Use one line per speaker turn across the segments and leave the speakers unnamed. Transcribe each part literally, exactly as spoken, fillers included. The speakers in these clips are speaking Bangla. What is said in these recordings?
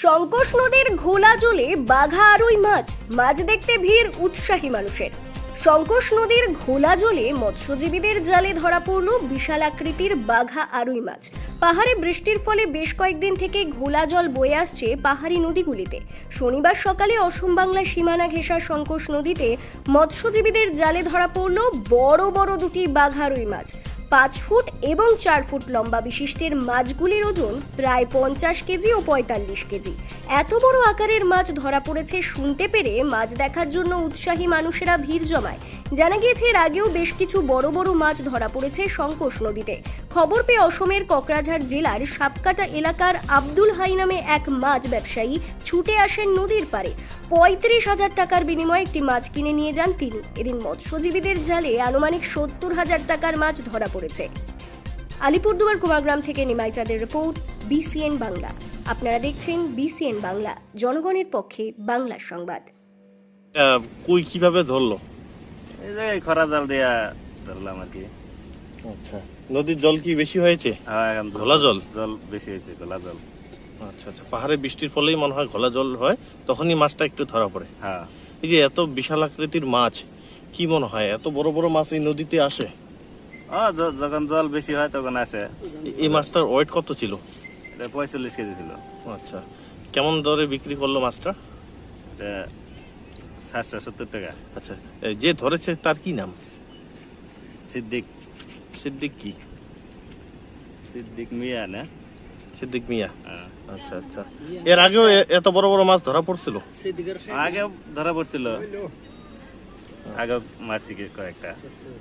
শঙ্কোষ নদীর ঘোলা জলে বাঘা আরুই মাছ মাছ দেখতে ভিড় উৎসাহী মানুষের। শঙ্কোষ নদীর ঘোলা জলে মৎস্যজীবীদের জালে ধরা পড়ল বিশাল আকৃতির বাঘা আরুই মাছ। পাহাড়ে বৃষ্টির ফলে বেশ কয়েকদিন থেকে ঘোলা জল বয়ে আসছে পাহাড়ি নদীগুলিতে। শনিবার সকালে অসম বাংলা সীমানা ঘেঁষা শঙ্কোষ নদীতে মৎস্যজীবীদের জালে ধরা পড়ল বড় বড় দুটি বাঘা আরুই মাছ। পাঁচ ফুট এবং চার ফুট লম্বা বিশিষ্টের মাছগুলির ওজন প্রায় পঞ্চাশ কেজি ও পঁয়তাল্লিশ কেজি। এত বড় আকারের মাছ ধরা পড়েছে শুনতে পেরে মাছ দেখার জন্য উৎসাহী মানুষেরা ভিড় জমায়। জানা গিয়েছে এর আগেও বেশ কিছু বড় বড় মাছ ধরা পড়েছে শঙ্কোষ নদীতে। খবর পেয়ে অসমের কোকরাঝাড় জেলার সাপকাটা এলাকার আব্দুল হাই নামে এক মাছ ব্যবসায়ী ছুটে আসেন নদীর পাড়ে। পঁয়ত্রিশ হাজার টাকার বিনিময়ে একটি মাছ কিনে নিয়ে যান তিনি। এদিন মৎস্যজীবীদের জালে আনুমানিক সত্তর হাজার টাকার মাছ ধরা পড়েছে। আলিপুরদুয়ার কুমারগ্রাম থেকে নিমাই চাঁদের রিপোর্ট, বিসিএন বাংলা। আপনারা দেখছেন বিসিএন বাংলা, জনগণের পক্ষে বাংলার সংবাদ।
কই কিভাবে ধরলো?
এই যে খরা জাল দিয়া ধরলাম আর কি।
আচ্ছা, নদীর জল কি বেশি হয়েছে?
হ্যাঁ, এখন
ঘোলা জল
জল বেশি হয়েছে, ঘোলা জল।
আচ্ছা আচ্ছা, পাহাড়ে বৃষ্টির ফলেই মনে হয় ঘোলা জল হয়, তখনই মাছটা একটু ধরা পড়ে।
হ্যাঁ,
এই যে এত বিশাল আকৃতির মাছ, কি মনে হয় এত বড় বড় মাছ এই নদীতে আসে?
ও য- যখন জল বেশি হয় তখন আসে।
এ- এই মাছটার ওয়েট কত ছিল?
এটা পঁয়তাল্লিশ কেজি ছিল।
আচ্ছা, কেমন দরে বিক্রি করলো মাছটা?
এটা সাতশো সত্তর টাকা।
আচ্ছা, এই যে ধরেছে তার কি নাম?
সিদ্দিক
সিদ্দিক কি?
সিদ্দিক মিয়া না?
সিদ্দিক মিয়া।
হ্যাঁ।
আচ্ছা আচ্ছা, এর আগেও এ- এত বড় বড় মাছ ধরা পড়ছিল?
আগে ধরা পড়ছিল, আগে মারছি কি কয়েকটা।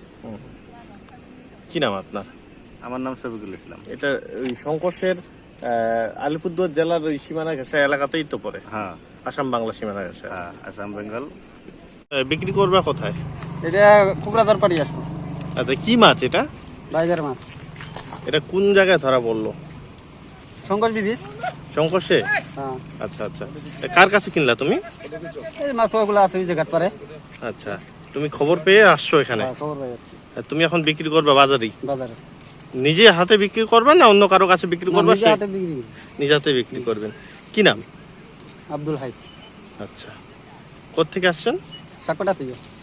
কি নাম আপনার?
আমার নাম শফিকুল ইসলাম।
এটা ওই শঙ্কোষের আহ, আলিপুরদুয়ার জেলার ওই সীমানা ঘেঁষা এলাকাতেই তো পড়ে,
হ্যাঁ
আসাম বাংলা সীমানা ঘেঁষা।
হ্যাঁ, আসাম বেঙ্গল।
আহ, বিক্রি করবে কোথায়?
এটা কোকরাঝাড় পাড়ি আসবো।
আচ্ছা, কি মাছ এটা?
বাইজার মাছ।
এটা কোন জায়গায় ধরা পড়লো?
শঙ্কর ব্রিজ।
শঙ্কোষে?
হ্যাঁ,
আচ্ছা আচ্ছা, এ, কার কাছে কিনলা তুমি?
এই মাছ ওগুলো আছে ওই জায়গার পারে।
আচ্ছা, তুমি খবর পেয়ে আসছো এখানে?
হ্যাঁ, খবর পাই যাচ্ছে
আর তুমি এখন বিক্রি করবে বাজারেই?
বাজারে।
নিজে হাতে বিক্রি করবে না অন্য কারো কাছে বিক্রি
না,
করবে?
নিজে হাতে বিক্রি করি।
নিজে হাতে বিক্রি করবেন। কি নাম?
আব্দুল হাই।
আচ্ছা, কোত্থেকে আসছেন?
সাকপাটা থেকে।